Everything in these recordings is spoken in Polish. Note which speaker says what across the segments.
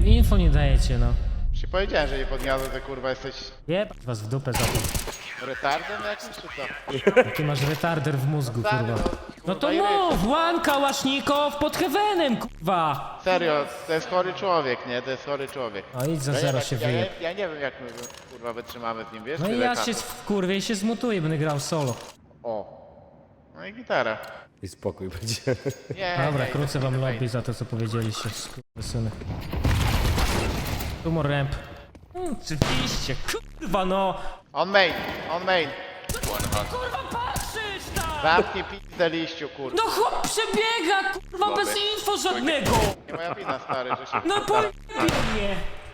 Speaker 1: info nie dajecie, no.
Speaker 2: Ci powiedziałem, że nie podniosę, że kurwa jesteś
Speaker 1: Jeb was w dupę za to.
Speaker 2: retardem jakimś czy co?
Speaker 1: Ty masz retarder w mózgu,
Speaker 2: Stary,
Speaker 1: kurwa. No to
Speaker 2: kurwa, i ryj.
Speaker 1: mów, One Kałasznikow pod heavenem, kurwa.
Speaker 2: Serio, to jest chory człowiek, nie? To jest chory człowiek.
Speaker 1: No idź za
Speaker 2: Ja nie
Speaker 1: zero
Speaker 2: wiem,
Speaker 1: się
Speaker 2: ja,
Speaker 1: wyje.
Speaker 2: ja nie wiem jak my kurwa wytrzymamy z nim, wiesz?
Speaker 1: No i
Speaker 2: Tyle
Speaker 1: ja
Speaker 2: czasu.
Speaker 1: się wkurwię i się zmutuję, będę grał solo.
Speaker 2: O. No i gitara.
Speaker 3: I spokój będzie.
Speaker 2: Nie,
Speaker 1: Dobra,
Speaker 2: nie,
Speaker 1: krócę wam
Speaker 2: nie,
Speaker 1: lobby za to, co powiedzieliście, syny. Tumor ramp. Oczywiście, kurwa no!
Speaker 2: On main, on main.
Speaker 1: Kurwa patrzysz tam!
Speaker 2: Zamknij pizdę liściu, kurwa.
Speaker 1: No chłop przebiega, kurwa, bez info żadnego!
Speaker 2: Nie moja wina, stary, że się...
Speaker 1: No pojebie mnie!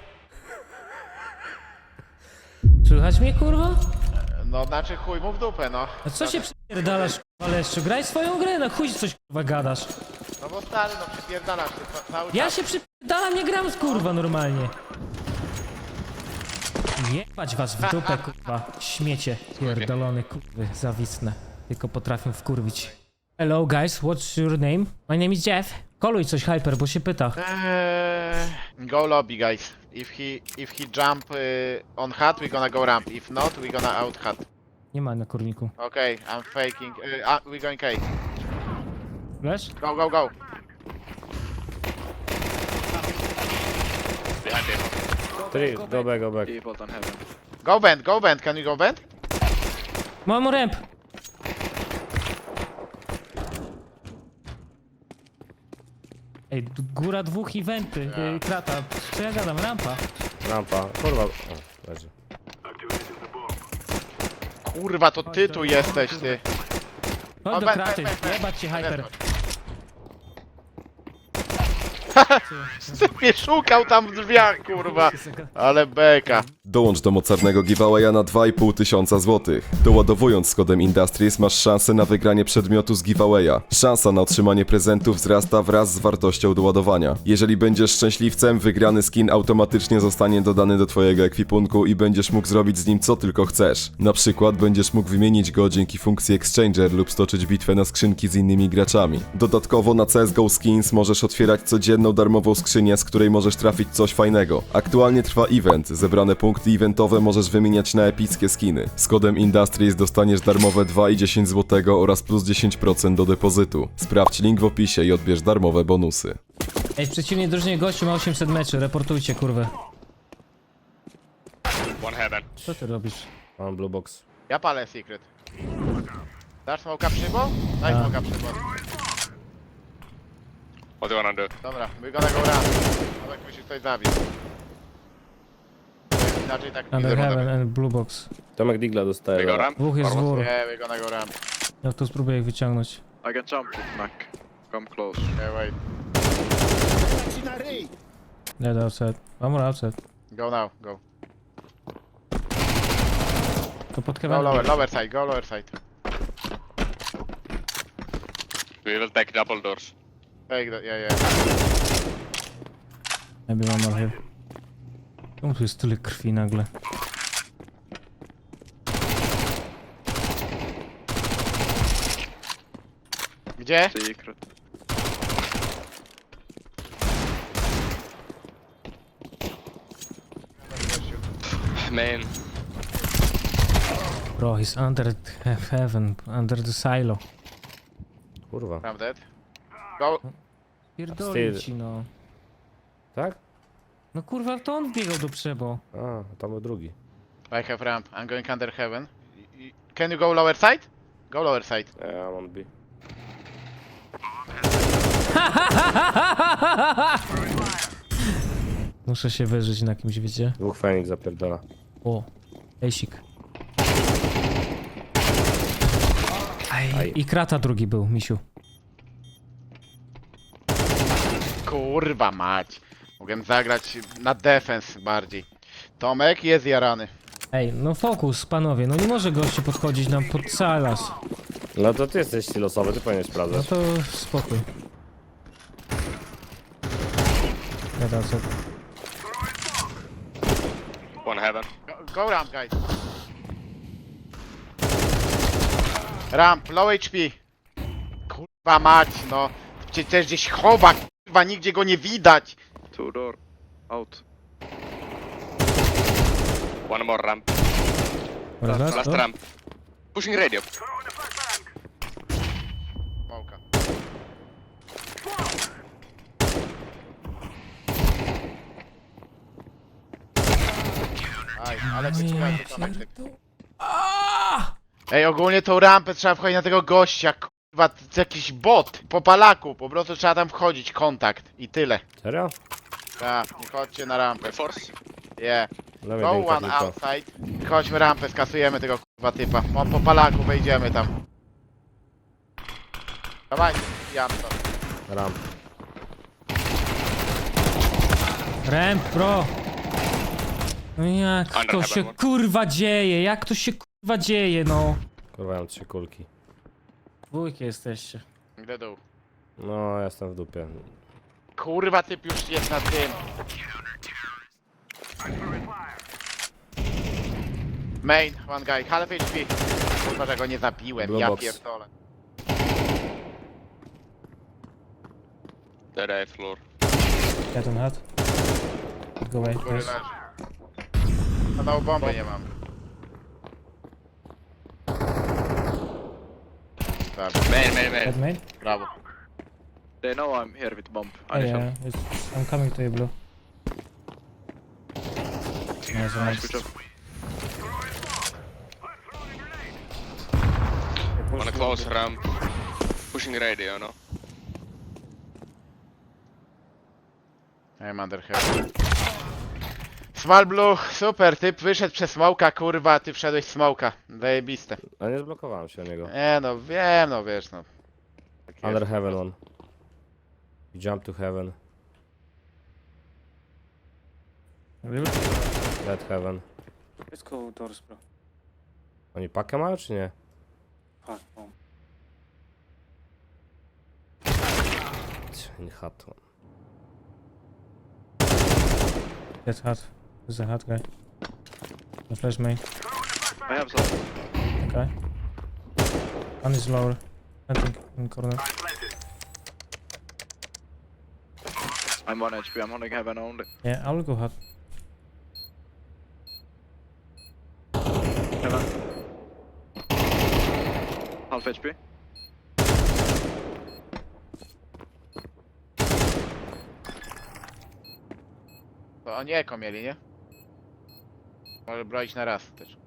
Speaker 1: Słychać mnie, kurwa?
Speaker 2: No znaczy chuj mu w dupę, no.
Speaker 1: A co się przypierdalasz, kurwa, Leszczu? Graj swoją grę, no chuj coś, kurwa, gadasz.
Speaker 2: No bo stary, no przypierdalasz się cały
Speaker 1: Ja
Speaker 2: czas.
Speaker 1: się przypierdalam, nie gram z kurwa normalnie. Jebać was w dupę, kurwa. Śmiecie. Pierdolony, kurwy, zawisne. Tylko potrafią wkurwić. Hello guys, what's your name? My name is Jeff. Koluj coś, Hyper, bo się pyta.
Speaker 2: Go lobby, guys. If he jump on hut, we gonna go ramp. If not, we gonna out hut.
Speaker 1: Nie ma na kurniku.
Speaker 2: Okay, I'm faking. We going K.
Speaker 1: Wiesz?
Speaker 2: Go, go, go.
Speaker 4: Behind him.
Speaker 3: Three, go back, go back.
Speaker 4: Default on heaven.
Speaker 2: Go bend, go bend. Can you go bend?
Speaker 1: Mam ramp. Ej, góra dwóch eventy, krata. Co ja gadam? Rampa.
Speaker 3: Rampa. Kurwa. O, leży.
Speaker 2: Kurwa, to ty tu jesteś, ty.
Speaker 1: Chodź do
Speaker 2: ben,
Speaker 1: kraty,
Speaker 2: ben, ben.
Speaker 1: jebać cię, Hyper.
Speaker 2: Ty mnie szukał tam w drzwiach, kurwa. Ale beka.
Speaker 5: Dołącz do mocarnego giveawaya na 2500 zł. Doładowując z kodem Industries masz szansę na wygranie przedmiotu z giveawaya. Szansa na otrzymanie prezentu wzrasta wraz z wartością doładowania. Jeżeli będziesz szczęśliwcem, wygrany skin automatycznie zostanie dodany do twojego ekwipunku i będziesz mógł zrobić z nim co tylko chcesz. Na przykład będziesz mógł wymienić go dzięki funkcji Exchanger lub stoczyć bitwę na skrzynki z innymi graczami. Dodatkowo na CSGO Skins możesz otwierać codzienną darmową skrzynię, z której możesz trafić coś fajnego. Aktualnie trwa event. Zebrane punkty eventowe możesz wymieniać na epickie skiny. Z kodem Industries dostaniesz darmowe 2,10 zł oraz plus 10% do depozytu. Sprawdź link w opisie i odbierz darmowe bonusy.
Speaker 1: Ej, w przeciwnej drużynie gościu ma 800 meczy, reportujcie, kurwę.
Speaker 4: One heaven.
Speaker 1: Co ty robisz?
Speaker 3: Mam blue box.
Speaker 2: Ja palę secret. Dasz smoka przybo? Daj smoka przybo.
Speaker 4: What do you wanna do?
Speaker 2: Dobra, we gonna go ramp. Tomek musisz coś zabić. Inaczej tak nie
Speaker 1: Under heaven
Speaker 2: zrobię.
Speaker 1: and blue box.
Speaker 3: Tomek Digla dostaje.
Speaker 4: We go
Speaker 3: dobra.
Speaker 4: ramp?
Speaker 1: Dwóch jest z góry.
Speaker 2: Yeah, we gonna go ramp.
Speaker 1: Ja to spróbuję ich wyciągnąć.
Speaker 4: I can jump with Mac. Come close.
Speaker 2: Yeah, wait.
Speaker 1: Dead outside. One more outside.
Speaker 2: Go now, go.
Speaker 1: To pod
Speaker 2: Go
Speaker 1: heaven.
Speaker 2: lower side, go lower side.
Speaker 4: We will take double doors.
Speaker 2: Take that, yeah, yeah.
Speaker 1: Maybe one more here. Czemu tu jest tyle krwi nagle?
Speaker 2: Gdzie?
Speaker 4: Secret. Main.
Speaker 1: Bro, he's under heaven, under the silo.
Speaker 3: Kurwa.
Speaker 2: I'm dead. Go.
Speaker 1: Pierdolę
Speaker 3: Wstyd.
Speaker 1: ci, no.
Speaker 3: Tak?
Speaker 1: No kurwa, to on biegał do przebo.
Speaker 3: A, tam był drugi.
Speaker 2: I have ramp. I'm going under heaven. Can you go lower side? Go lower side.
Speaker 3: Ja mam B.
Speaker 1: Muszę się wyżyć na kimś, wiecie?
Speaker 3: Dwóch Fenix zapierdala.
Speaker 1: O, ejsik.
Speaker 3: Aj.
Speaker 1: I krata drugi był, misiu.
Speaker 2: Kurwa mać. Mogłem zagrać na defense bardziej. Tomek jest jarany.
Speaker 1: Ej, no fokus, panowie, no nie może gościu podchodzić nam pod salas.
Speaker 3: No to ty jesteś silosowy, ty powinieneś
Speaker 1: No
Speaker 3: sprawdzać.
Speaker 1: to spokój. Ja dam sobie.
Speaker 4: One heaven.
Speaker 2: Go ramp, guys. Ramp, low HP. Kurwa mać, no. Przecież gdzieś chowa, kurwa, nigdzie go nie widać.
Speaker 4: Two door. Out. One more ramp.
Speaker 1: Last,
Speaker 4: Last ramp. Pushing radio.
Speaker 2: Smoka. Aj, ale wyciągaj to Tomek. Ej, ogólnie tą rampę trzeba wchodzić na tego gościa, kurwa, to jest jakiś bot, po palaku, po prostu trzeba tam wchodzić, kontakt i tyle.
Speaker 3: Serio?
Speaker 2: Tak, nie chodźcie na rampę.
Speaker 4: Force.
Speaker 2: Yeah.
Speaker 3: Dla mnie
Speaker 2: Go
Speaker 3: dynka
Speaker 2: one
Speaker 3: tylko.
Speaker 2: outside. Chodźmy rampę, skasujemy tego kurwa typa. On po palaku, wejdziemy tam. Dawajcie, jam to.
Speaker 3: Ramp.
Speaker 1: Ramp, bro! No jak to
Speaker 4: Under
Speaker 1: się
Speaker 4: heaven.
Speaker 1: kurwa dzieje? Jak to się kurwa dzieje, no?
Speaker 3: Kurwa, ja mam 3 kulki.
Speaker 1: Dwójki jesteście.
Speaker 2: Gdzie dół?
Speaker 3: No, jestem w dupie.
Speaker 2: Kurwa typ już jest na tym. Main, one guy, half HP. Kurwa, że go nie zabiłem,
Speaker 3: Blue
Speaker 2: ja
Speaker 3: box.
Speaker 2: pierdolę.
Speaker 4: Dead eye floor.
Speaker 1: Get on hat. Go away,
Speaker 2: Góry
Speaker 1: guys.
Speaker 2: leży. A na bombę nie mam. Tak,
Speaker 4: Main.
Speaker 1: Head main?
Speaker 2: brawo.
Speaker 4: They know I'm here with bomb.
Speaker 1: Oh, yeah, I'm coming to you, blue. Nice, nice.
Speaker 4: One close ramp. Pushing radio, no?
Speaker 2: I'm under here. Small blue, super, typ wyszedł przez smoka, kurwa, ty wszedłeś z smoka. Zajebiste.
Speaker 3: A nie zblokowałem się o niego.
Speaker 2: No wiem, no wiesz, no. Tak jest.
Speaker 3: Under heaven one. Jump to heaven.
Speaker 1: Really?
Speaker 3: Dead heaven.
Speaker 1: Let's go doors, bro.
Speaker 3: Oni pakę mają czy nie?
Speaker 1: Fuck, bomb.
Speaker 3: In hut one.
Speaker 1: Get hat. There's a hat guy. The flash main.
Speaker 4: I have some.
Speaker 1: Okay. One is lower. I think in corner.
Speaker 4: I'm 1 HP. I'm holding heaven only.
Speaker 1: Yeah, I'll go hat.
Speaker 4: Heaven. Half HP.
Speaker 2: To oni eko mieli, nie? Może broić na raz też.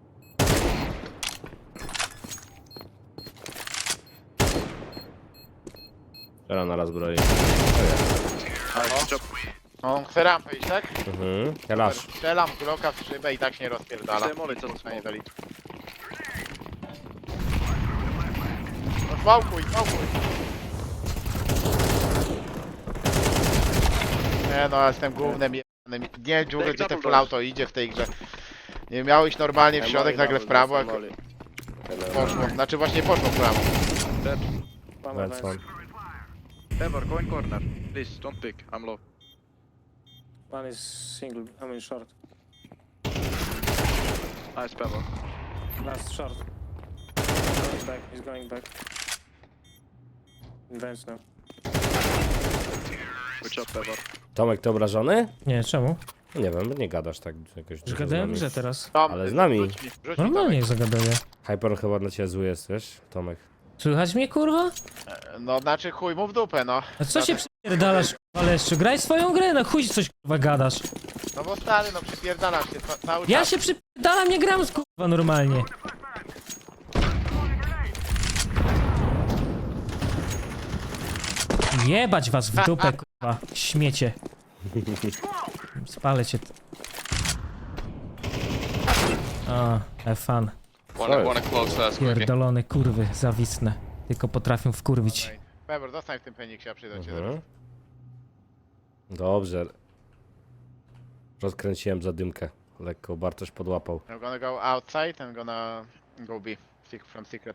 Speaker 3: Teraz na raz broi.
Speaker 4: Nice job.
Speaker 2: On chce rampę iść, tak?
Speaker 3: Mhm. Kalasz.
Speaker 2: Strzelam Glocka w szybę i tak się nie rozpierdala.
Speaker 4: Stay molly, co to
Speaker 2: Nie zaliczy. No fałkuj. Nie no, ja jestem głównym jebanym. Nie wiem, dziurę, gdzie ten full auto idzie w tej grze. Nie miało iść normalnie w środek, nagle w prawo, jak poszło. Znaczy właśnie poszło w prawo.
Speaker 4: Dead.
Speaker 3: That's one.
Speaker 4: Ever, go in corner. Please, don't pick. I'm low.
Speaker 1: One is single, I mean short.
Speaker 4: Nice Pebble.
Speaker 1: Last short. He's going back. Advance now.
Speaker 4: Good job, Pebble.
Speaker 3: Tomek, ty obrażony?
Speaker 1: Nie, czemu?
Speaker 3: Nie wiem, nie gadasz tak jakoś
Speaker 1: Już
Speaker 3: dużo z
Speaker 1: gadałem
Speaker 3: nami.
Speaker 1: grze teraz.
Speaker 2: Tom,
Speaker 3: Ale z nami.
Speaker 2: Rzuć mi
Speaker 1: Normalnie
Speaker 2: Tomek.
Speaker 1: zagaduję.
Speaker 3: Hyper chyba dla ciebie zły jest, wiesz, Tomek.
Speaker 1: Słychać mnie, kurwa?
Speaker 2: No znaczy chuj mu w dupę, no.
Speaker 1: A co się przypierdalasz, kurwa, Leszczu? Graj swoją grę, no chuj coś, kurwa, gadasz.
Speaker 2: No bo stary, no przypierdalam się cały
Speaker 1: Ja
Speaker 2: czas.
Speaker 1: się przypierdalam, nie gram z kurwa normalnie. Jebać was w dupę, kurwa, śmiecie. Spalę cię. A, have fun.
Speaker 4: One close last quickly.
Speaker 1: Pierdolone kurwy, zawisne. Tylko potrafią wkurwić.
Speaker 2: Pebor, zostań w tym peniksie, ja przyjdę cię zaraz.
Speaker 3: Mhm. Dobrze. Rozkręciłem zadymkę. Lekko Bartosz podłapał.
Speaker 2: I'm gonna go outside, I'm gonna go B. From secret.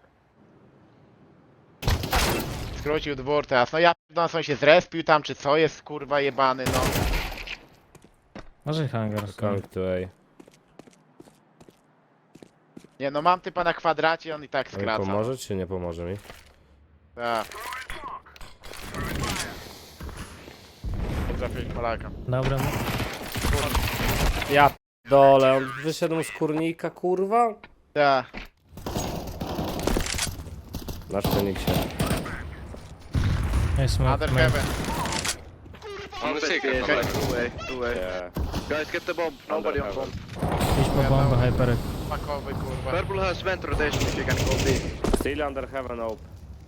Speaker 2: Skrócił dwór teraz. No ja pierdolę, on się zrespił tam, czy co jest kurwa jebany, no.
Speaker 1: Może hangar.
Speaker 3: Coming to A.
Speaker 2: Nie no, mam typa na kwadracie, on i tak
Speaker 3: A mi
Speaker 2: skraca.
Speaker 3: pomoże czy nie pomoże mi?
Speaker 2: Tak. Trafiłeś Polaka.
Speaker 1: Dobra.
Speaker 3: Ja dole, on wyszedł z kurnika, kurwa?
Speaker 2: Ja.
Speaker 3: Na szczelniksie.
Speaker 1: Jest
Speaker 2: Under
Speaker 1: smoke.
Speaker 2: heaven.
Speaker 4: On the secret.
Speaker 2: Okay,
Speaker 4: Okay.
Speaker 2: two way.
Speaker 3: Yeah.
Speaker 4: Guys, get the bomb. Nobody on bomb.
Speaker 1: Idź po bombę, Hyper.
Speaker 2: Makowy, kurwa.
Speaker 4: Purple has vent rotation if you can go B.
Speaker 3: Still under heaven open.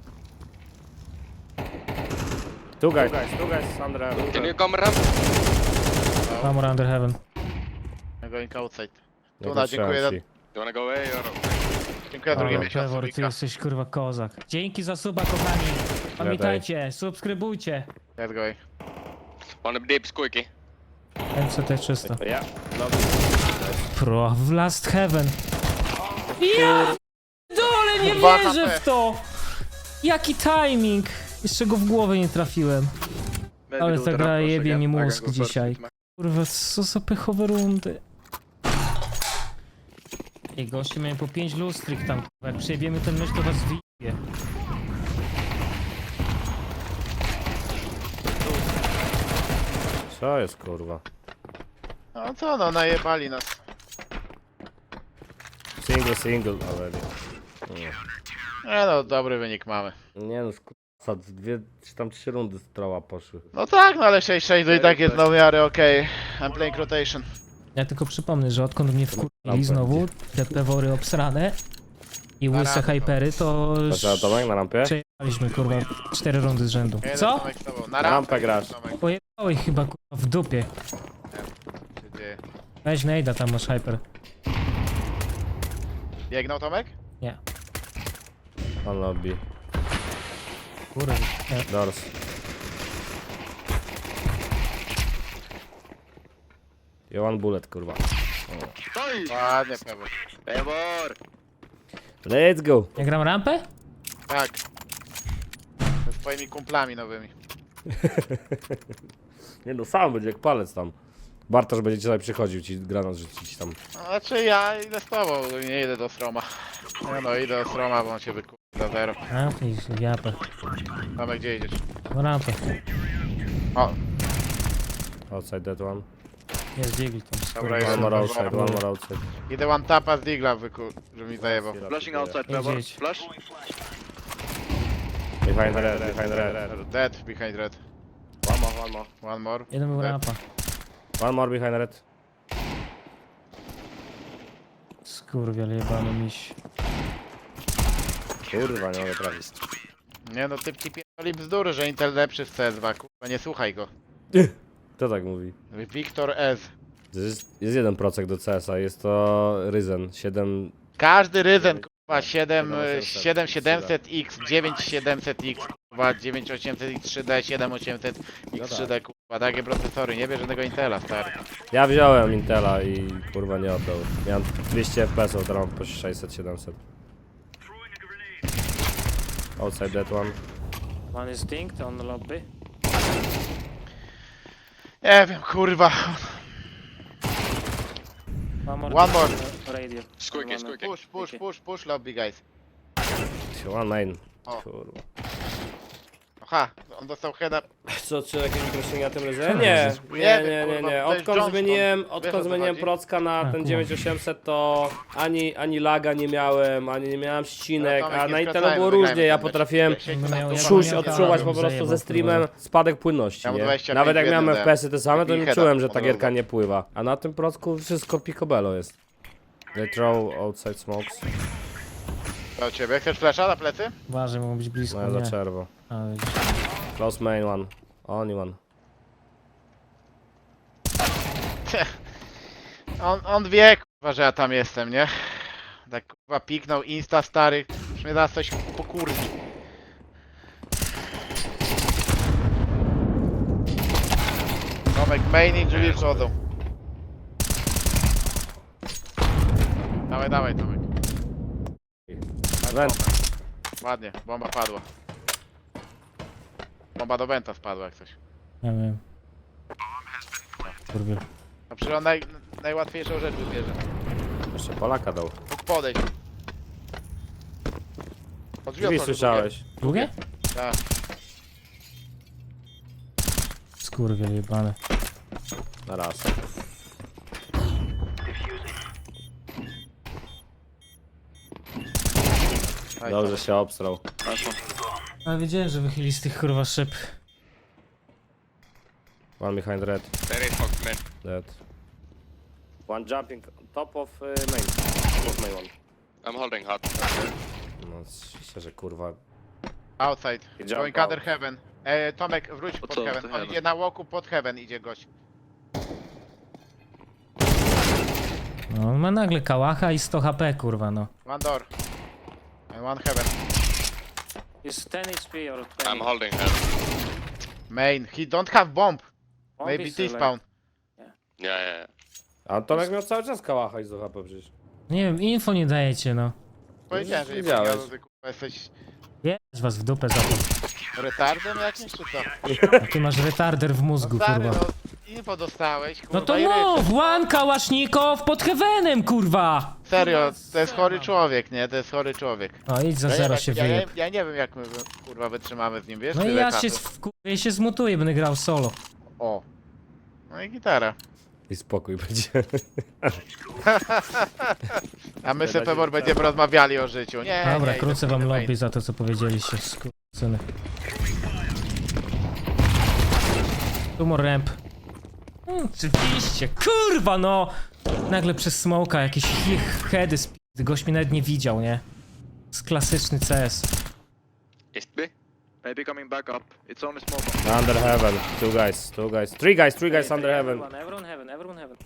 Speaker 3: Two guys under heaven.
Speaker 6: Can you come ramp?
Speaker 1: Armor under heaven.
Speaker 2: I'm going outside.
Speaker 3: Nie
Speaker 2: Tuna, dziękuję za...
Speaker 3: ci.
Speaker 6: You wanna go away or?
Speaker 2: Dziękuję za drugi
Speaker 1: Ale
Speaker 2: miesiąc.
Speaker 1: Trevor, ty
Speaker 2: Subika.
Speaker 1: jesteś kurwa kozak. Dzięki za suba, kochani. Pamiętajcie, subskrybujcie.
Speaker 2: Let's go.
Speaker 6: One deep squeaky.
Speaker 1: MCT 300.
Speaker 3: Ja, lobby.
Speaker 1: Pro w Last Heaven. Ja dole, nie
Speaker 2: Dwa
Speaker 1: wierzę
Speaker 2: HP.
Speaker 1: w to! Jaki timing! Jeszcze go w głowę nie trafiłem.
Speaker 4: Maybe
Speaker 1: Ale
Speaker 4: do
Speaker 1: ta
Speaker 4: the
Speaker 1: gra
Speaker 4: ramp
Speaker 1: jebie
Speaker 4: again.
Speaker 1: mi
Speaker 4: I can
Speaker 1: mózg
Speaker 4: go first
Speaker 1: dzisiaj.
Speaker 4: with my-
Speaker 1: Kurwa, co za pechowe rundy. Ej, goście miałem po 5 lustrych tam, kurwa. Jak przejebiemy ten mecz, to was wyjebie.
Speaker 3: Co jest, kurwa?
Speaker 2: No co no, najebali nas.
Speaker 3: Single already. Nie.
Speaker 2: No, dobry wynik mamy.
Speaker 3: Nie no, skurwa, dwie czy tam 3 rundy z troła poszły.
Speaker 2: No tak, no ale 6-6 to i tak jest no w miarę okej. I'm playing rotation.
Speaker 1: Ja tylko przypomnę, że odkąd mnie wkurwili
Speaker 3: Lampę
Speaker 1: znowu, te pewory obsrane i
Speaker 2: Na
Speaker 1: łyse
Speaker 2: rampę.
Speaker 1: hypery, to
Speaker 3: Patrz Tomek na rampie?
Speaker 1: przejechaliśmy kurwa 4 rundy z rzędu.
Speaker 2: Jeden
Speaker 1: Co?
Speaker 2: Tomek z tobą. Na
Speaker 3: Na
Speaker 2: rampę
Speaker 3: rampę grasz.
Speaker 2: Tomek.
Speaker 1: Pojechałeś chyba kurwa w dupie.
Speaker 2: Się dzieje.
Speaker 1: Weź nejda, tam masz hyper.
Speaker 2: Biegnął Tomek?
Speaker 1: Nie.
Speaker 3: On lobby.
Speaker 1: Kurwa. Nie.
Speaker 3: Doors. I one bullet, kurwa.
Speaker 2: Ładnie, Paweł.
Speaker 4: Trevor!
Speaker 3: Let's go!
Speaker 1: Ja gram rampę?
Speaker 2: Tak. Ze swoimi kumplami nowymi.
Speaker 3: Nie no, sam będzie jak palec tam. Bartosz będzie tutaj przychodził ci granat rzucić tam.
Speaker 2: No, znaczy ja idę z tobą, nie idę do Stroma. No idę do Stroma, bo on się wykupi za zero.
Speaker 1: A, i japę.
Speaker 2: Tomek, gdzie idziesz?
Speaker 1: No rampę.
Speaker 2: O,
Speaker 3: Outside that one.
Speaker 1: Jest Deagle tam.
Speaker 2: Dobra,
Speaker 1: Kurwa.
Speaker 2: jest.
Speaker 3: One more outside, one more outside.
Speaker 2: idę one tapa z Digla, żeby mi zajebał.
Speaker 4: Flashing outside, Trevor.
Speaker 1: Idź.
Speaker 4: Flash.
Speaker 3: Behind red, behind red.
Speaker 2: Dead behind red.
Speaker 3: One more.
Speaker 2: One more.
Speaker 1: Jeden był
Speaker 2: Dead.
Speaker 1: rampa.
Speaker 3: One more behind red.
Speaker 1: Skurwiel jebany miś.
Speaker 3: Kurwa, nie mogę trafić.
Speaker 2: Nie no, typ ci pierdoli bzdury, że Intel lepszy w CS2, kurwa, nie słuchaj go.
Speaker 3: Kto tak mówi?
Speaker 2: Wiktor S.
Speaker 3: Jest 1% do CS-a, jest to Ryzen 7.
Speaker 2: Każdy Ryzen, kurwa,
Speaker 3: 7700,
Speaker 2: 7700X, 9700X, kurwa, 9800X 3D, 7800X 3D, kurwa, takie procesory, nie bierz żadnego Intela, stary.
Speaker 3: Ja wziąłem Intela i kurwa nie oddał. Miałem 200 FPS, teraz mam po 600-700. Outside that one.
Speaker 1: One is dinked on the lobby.
Speaker 2: Nie wiem, kurwa. One more.
Speaker 1: Radio.
Speaker 6: Squeaky, squeaky.
Speaker 2: Push lobby, guys.
Speaker 3: One main.
Speaker 2: O.
Speaker 3: Kurwa.
Speaker 2: Aha, on dostał heada.
Speaker 3: Co, czy jakieś uproszczenia na tym Ryzenie? Nie, nie, nie, nie, nie.
Speaker 2: To jest
Speaker 3: Odkąd
Speaker 2: Johnston.
Speaker 3: zmieniłem,
Speaker 2: Wiesz, o
Speaker 3: odkąd
Speaker 2: co
Speaker 3: zmieniłem
Speaker 2: chodzi?
Speaker 3: procka na
Speaker 1: A,
Speaker 3: ten
Speaker 1: kurwa.
Speaker 3: 9800 to ani laga nie miałem, ani nie miałem ścinek,
Speaker 2: No, Tomek,
Speaker 3: a
Speaker 2: nie
Speaker 3: na Intelu
Speaker 2: skracajmy,
Speaker 3: było
Speaker 2: wygrajmy
Speaker 3: różnie, ja
Speaker 2: ten mecz.
Speaker 3: potrafiłem
Speaker 2: Siedź
Speaker 1: Będę
Speaker 2: na
Speaker 1: miał
Speaker 2: tu,
Speaker 1: jak
Speaker 3: czuć,
Speaker 1: miał
Speaker 3: odczuwać
Speaker 1: kanał,
Speaker 3: po prostu
Speaker 1: zajebał,
Speaker 3: ze streamem
Speaker 1: kurwa.
Speaker 3: spadek płynności,
Speaker 2: Ja mu
Speaker 3: nie?
Speaker 2: 25
Speaker 3: Nawet jak miałem
Speaker 2: w jeden
Speaker 3: FPS-y te same, to
Speaker 2: I
Speaker 3: nie
Speaker 2: heada
Speaker 3: czułem, że
Speaker 2: od
Speaker 3: ta
Speaker 2: razu.
Speaker 3: gierka nie pływa. A na tym procku wszystko picobello jest. They throw outside smokes.
Speaker 2: Do ciebie. Chcesz flasha na plecy?
Speaker 1: Uważaj, mogą być blisko.
Speaker 3: No ja za
Speaker 1: Nie.
Speaker 3: czerwo.
Speaker 1: A, widzisz.
Speaker 3: Close main one. Only one.
Speaker 2: On wie, kurwa, że ja tam jestem, nie? Tak, kurwa, piknął Insta, stary. Już mnie zaraz coś pokurwi. Tomek, main i drzwi wchodzą. Dawaj, dawaj, Tomek.
Speaker 3: Vent.
Speaker 2: Ładnie, bomba padła. Bomba do Benta spadła jak coś.
Speaker 1: Ja wiem. Kurwiel.
Speaker 2: A przecież on najłatwiejszą rzecz wybierze.
Speaker 3: Jeszcze Polaka dał.
Speaker 2: Mógł podejść. Od
Speaker 3: Drzwi
Speaker 2: otworzył
Speaker 3: słyszałeś.
Speaker 1: Długie?
Speaker 2: drugie. Tak.
Speaker 1: Skurwiel jebany.
Speaker 3: Na raz.
Speaker 2: Oj,
Speaker 3: Dobrze się obstrał.
Speaker 4: Nice one.
Speaker 1: Ale wiedziałem, że wychyli z tych kurwa szyb.
Speaker 3: One behind red.
Speaker 6: There is smoke, man.
Speaker 3: Dead. One jumping on top of main. Top of main one.
Speaker 6: I'm holding hot.
Speaker 3: No oczywiście, że kurwa.
Speaker 2: Outside.
Speaker 3: Jump
Speaker 2: Going
Speaker 3: out.
Speaker 2: under heaven. Tomek, wróć pod
Speaker 4: co,
Speaker 2: heaven.
Speaker 4: to
Speaker 2: On
Speaker 4: heaven?
Speaker 2: idzie na łoku pod heaven, idzie gość.
Speaker 1: No, on ma nagle kałacha i 100 HP, kurwa, no.
Speaker 2: One door. And one heaven.
Speaker 1: Jest 10 HP or
Speaker 6: I'm holding head.
Speaker 2: Main. He don't have bomb. Maybe T-spawn.
Speaker 6: Yeah, yeah, yeah.
Speaker 3: A Tomek miał cały czas kałacha i z HP przecież.
Speaker 1: Nie wiem, info nie dajecie, no.
Speaker 2: Powiedziałem, że nie
Speaker 3: Widziałeś.
Speaker 2: powiedział, że kurwa jesteś
Speaker 1: Jest was w dupę za to.
Speaker 2: retardem jakimś, czy co?
Speaker 1: A ty masz retarder w mózgu,
Speaker 2: Stary,
Speaker 1: kurwa.
Speaker 2: no info dostałeś, kurwa,
Speaker 1: No to
Speaker 2: i
Speaker 1: mów! One kałasznikow pod heavenem, kurwa!
Speaker 2: Serio, to jest chory człowiek, nie? To jest chory człowiek.
Speaker 1: O, idź za
Speaker 2: Ja nie
Speaker 1: zero
Speaker 2: wiem,
Speaker 1: się
Speaker 2: ja,
Speaker 1: wyjeb.
Speaker 2: ja nie wiem jak my kurwa wytrzymamy z nim, wiesz?
Speaker 1: No i
Speaker 2: tyle
Speaker 1: ja
Speaker 2: czasu.
Speaker 1: się wkurwię, się zmutuję, będę grał solo.
Speaker 2: O. No i gitara.
Speaker 3: I spokój będzie.
Speaker 2: A my z Pebor będziemy rozmawiali o życiu. Nie,
Speaker 1: Dobra,
Speaker 2: nie,
Speaker 1: krócę
Speaker 2: idę
Speaker 1: wam
Speaker 2: pod main.
Speaker 1: lobby za to, co powiedzieliście, skurczyny. Tumor ramp. Oczywiście, kurwa no! Nagle przez smoka jakieś heady gość mnie nawet nie widział, nie? To jest klasyczny CS.
Speaker 6: Is B?
Speaker 4: Maybe coming back up. It's only smoke.
Speaker 3: Under heaven. Two guys. Three guys under heaven.
Speaker 1: Everyone heaven.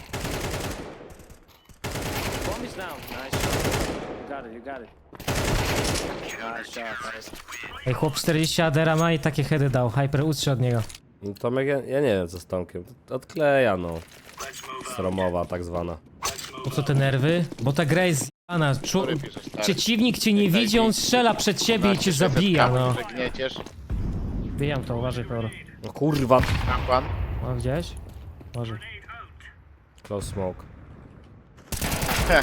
Speaker 1: Bomb is down. Nice shot. You got it. Nice shot. Ej, chłop 40 adera ma i takie heady dał. Hyper, ucz się od niego.
Speaker 3: No Tomek, ja nie wiem co z Tomkiem. Odkleja no. Sromowa tak zwana.
Speaker 1: Po co te nerwy? Bo ta gra jest zjebana.
Speaker 2: Piszesz, stary.
Speaker 1: Przeciwnik cię nie widzi, on strzela przed ciebie i cię zabija, no.
Speaker 2: Że gnieciesz.
Speaker 1: Bijam to, uważaj, Peoro.
Speaker 3: No kurwa.
Speaker 2: Tam pan.
Speaker 1: O, gdzieś? Uważaj.
Speaker 3: Close smoke.
Speaker 2: Heh.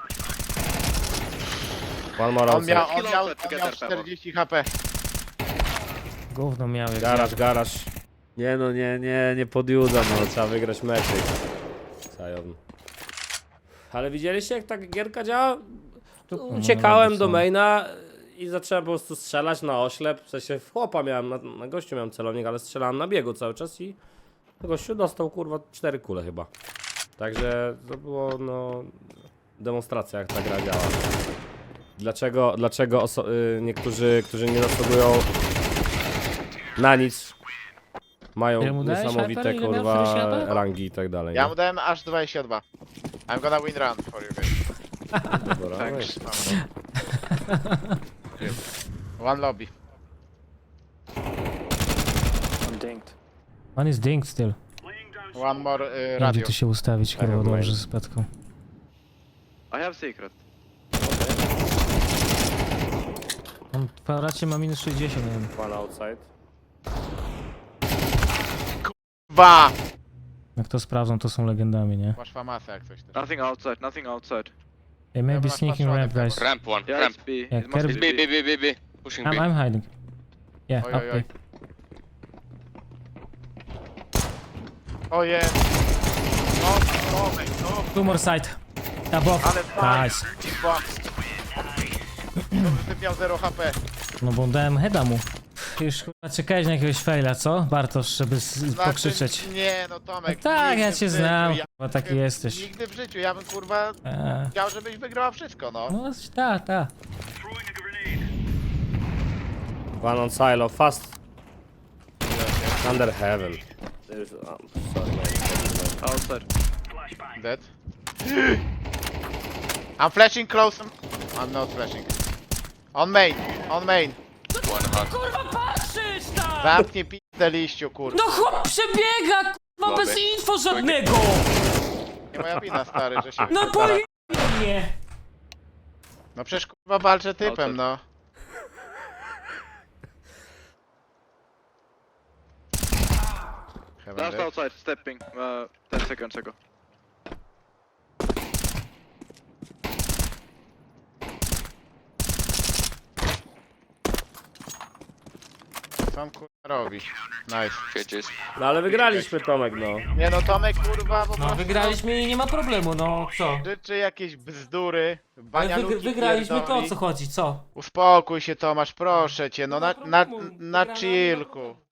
Speaker 3: One more
Speaker 2: On
Speaker 3: outside.
Speaker 2: miał 40 HP.
Speaker 1: Gówno miał jak
Speaker 3: Garaż. Nie no, nie podjudzam, no trzeba wygrać meczyk. Zajon. Ale widzieliście jak ta gierka działa? Uciekałem do maina i zacząłem po prostu strzelać na oślep. W sensie w chłopa miałem, na gościu miałem celownik, ale strzelałem na biegu cały czas i gościu dostał kurwa 4 kule chyba. Także to było no demonstracja jak ta gra działa. Dlaczego niektórzy, którzy nie zasługują na nic, mają
Speaker 1: Ile mu dałeś,
Speaker 3: niesamowite
Speaker 1: Hyper? Ile miał?
Speaker 3: kurwa
Speaker 1: 40 HP?
Speaker 3: rangi i tak dalej.
Speaker 2: Ja
Speaker 3: nie?
Speaker 2: mu dałem aż 22. I'm gonna win run for you guys.
Speaker 3: Dobra,
Speaker 2: Thanks. One lobby.
Speaker 1: On jest ding still.
Speaker 2: One more
Speaker 1: Nie wiem,
Speaker 2: radio.
Speaker 1: gdzie tu się ustawić, kurwa,
Speaker 3: have
Speaker 1: dobrze
Speaker 3: mail.
Speaker 1: z petką.
Speaker 4: I have secret.
Speaker 1: On w kwadracie ma minus 60, nie wiem.
Speaker 3: one outside.
Speaker 2: Dwa!
Speaker 1: Jak to sprawdzą, to są legendami, nie?
Speaker 2: Masz famasę jak coś też.
Speaker 4: Nothing outside. Nothing outside.
Speaker 1: Hey, maybe
Speaker 2: masz
Speaker 1: sneaking
Speaker 2: patrzone
Speaker 1: ramp,
Speaker 2: pewno.
Speaker 1: guys.
Speaker 6: Ramp one.
Speaker 4: Yeah,
Speaker 6: Ramp.
Speaker 4: it's B.
Speaker 1: Yeah,
Speaker 4: It must
Speaker 1: Kirby-
Speaker 4: be
Speaker 6: B,
Speaker 4: B.
Speaker 6: B, B, B. Pushing B.
Speaker 1: I'm hiding. Yeah,
Speaker 2: Oj, oj, oj.
Speaker 1: okay.
Speaker 2: O jest! No, Tomek, no!
Speaker 1: Two more side. Above.
Speaker 2: Ale fajnie!
Speaker 1: Nice.
Speaker 2: Ty miał 0 HP.
Speaker 1: No bo dałem heada mu. Już chyba czekałeś na jakiegoś faila, co? Bartosz, żeby pokrzyczeć.
Speaker 2: Nie, no Tomek.
Speaker 1: No tak,
Speaker 2: nigdy
Speaker 1: ja
Speaker 2: w
Speaker 1: cię
Speaker 2: życiu,
Speaker 1: znam,
Speaker 2: ja-
Speaker 1: chyba taki jesteś.
Speaker 2: Nigdy w życiu, ja bym kurwa chciał, żebyś wygrał wszystko, no.
Speaker 1: No tak.
Speaker 3: One on silo, fast. Under heaven. Sorry, no.
Speaker 4: Outside.
Speaker 2: Dead. I'm flashing close. I'm not flashing. On main, on main.
Speaker 6: One hot.
Speaker 1: Kurwa, patrzysz tam!
Speaker 2: Zamknij pizdę liściu, kurwa.
Speaker 1: No chłop przebiega, kurwa, bez
Speaker 6: Dobry.
Speaker 1: info żadnego!
Speaker 2: Nie moja wina, stary, że się
Speaker 1: No
Speaker 2: wypierdala.
Speaker 1: pojebie mnie!
Speaker 2: No przecież kurwa walczę typem, no. Heaven
Speaker 4: Last
Speaker 2: dead.
Speaker 4: outside. Stepping. 10 seconds ago.
Speaker 2: Co on kurwa robi? Nice.
Speaker 6: Cages.
Speaker 3: No ale wygraliśmy, Tomek, no.
Speaker 2: Nie no, Tomek kurwa po
Speaker 1: No
Speaker 2: prostu
Speaker 1: wygraliśmy i nie ma problemu, no co?
Speaker 2: życzy jakieś bzdury,
Speaker 1: Ale
Speaker 2: banialuki
Speaker 1: wygraliśmy, to o
Speaker 2: pierdoli.
Speaker 1: co chodzi, co?
Speaker 2: Uspokój się Tomasz, proszę cię, no
Speaker 1: Nie ma
Speaker 2: na
Speaker 1: problemu,
Speaker 2: na
Speaker 1: wygrana,
Speaker 2: chillku.